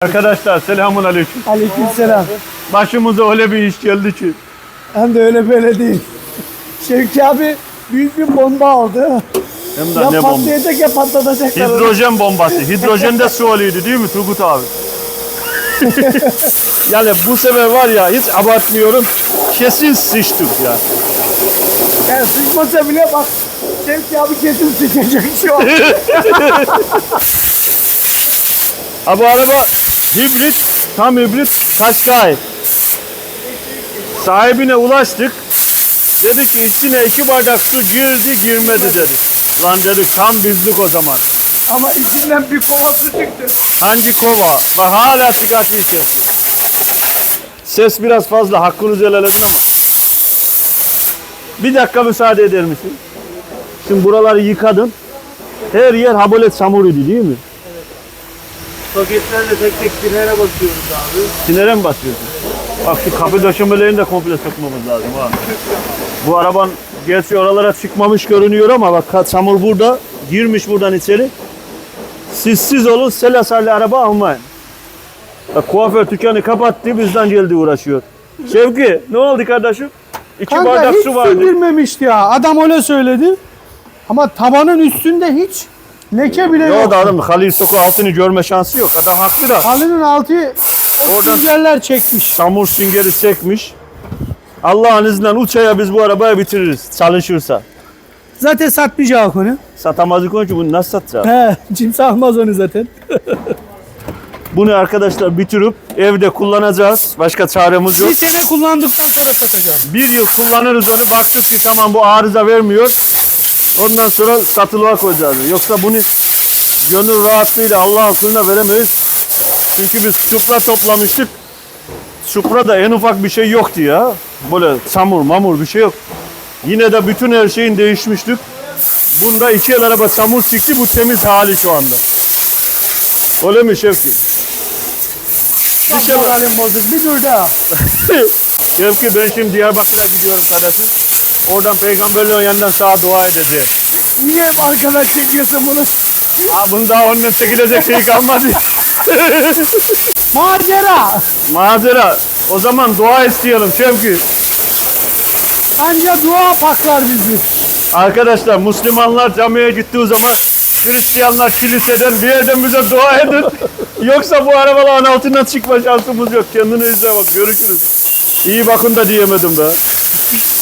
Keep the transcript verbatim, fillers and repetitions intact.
Arkadaşlar selamun aleyküm. Aleykümselam. Başımıza öyle bir iş geldi ki. Hem de öyle böyle değil. Şevki abi büyük bir bomba aldı. Hem de Ya ne bomba. patlayacak ya patlatacaklar. Hidrojen bombası. Hidrojen de su oluydu değil mi Turgut abi? Yani bu sefer var ya hiç abartmıyorum. Kesin sıçtık ya. Yani sıçmasa bile bak Şevki abi kesin sıçacak şu an. Ha bu araba hibrit, tam hibrit Qashqai. Sahibine ulaştık. Dedi ki içine iki bardak su girdi girmedi dedi. Lan dedik tam bizlik o zaman. Ama içinden bir kova su çıktı. Hangi kova ve hala çıkartıyor sesi. Ses biraz fazla, hakkınızı helal edin ama. Bir dakika müsaade eder misin? Şimdi buraları yıkadın. Her yer ha böyle çamur idi değil mi? Paketlerle tek tek sinere basıyoruz abi. Sinere mi basıyorsun? Bak şu kapı döşemelerini de komple sökmemiz lazım ha. Bu araban gerçi oralara çıkmamış görünüyor ama bak çamur burada. Girmiş buradan içeri. Sizsiz olun, selasarlı araba almayın. Bak kuaför dükkanı kapattı, bizden geldi uğraşıyor. Şevki, ne oldu kardeşim? İki Kanka bardak hiç su su vardı. girmemişti ya. Adam öyle söyledi. Ama tabanın üstünde hiç leke bile yok. Yok da adam Halil Soku altını görme şansı yok. Adam haklı da. Halının altı o Oradan- süngerler çekmiş. Çamur süngeri çekmiş. Allah'ın izniyle uçaya biz bu arabayı bitiririz çalışırsa. Zaten satmayacak onu. Satamazdık onun için bunu nasıl satacağız? He, kimse almaz onu zaten. Bunu arkadaşlar bitirip evde kullanacağız. Başka çaremiz yok. Bir sene kullandıktan sonra satacağım. Bir yıl kullanırız onu. Baktık ki tamam bu arıza vermiyor. Ondan sonra satılığa koyacağız. Yoksa bunu gönül rahatlığıyla Allah'ın kılına veremeyiz. Çünkü biz Supra toplamıştık. Supra'da en ufak bir şey yoktu ya. Böyle çamur mamur bir şey yok. Yine de bütün her şeyin değişmiştik. Bunda iki el araba çamur çıktı. Bu temiz hali şu anda. Öyle mi Şevki? Bir şey var. Moralim bozuk. Bir dur daha. Şevki ben şimdi Diyarbakır'a gidiyorum kardeşim. Oradan peygamberlerin yanından sağa dua edeceğim. Niye hep arkadan çekiyorsun bunu? Ha bunu daha önüne çekilecek şey kalmadı. Macera. Mazera. O zaman dua isteyelim Şevki. Anca dua paklar bizi. Arkadaşlar Müslümanlar camiye gittiği zaman Hristiyanlar kiliseden bir yerden bize dua edin. Yoksa bu arabaların altından çıkma şansımız yok. Kendine izle bak. Görüşürüz. İyi bakın da diyemedim be.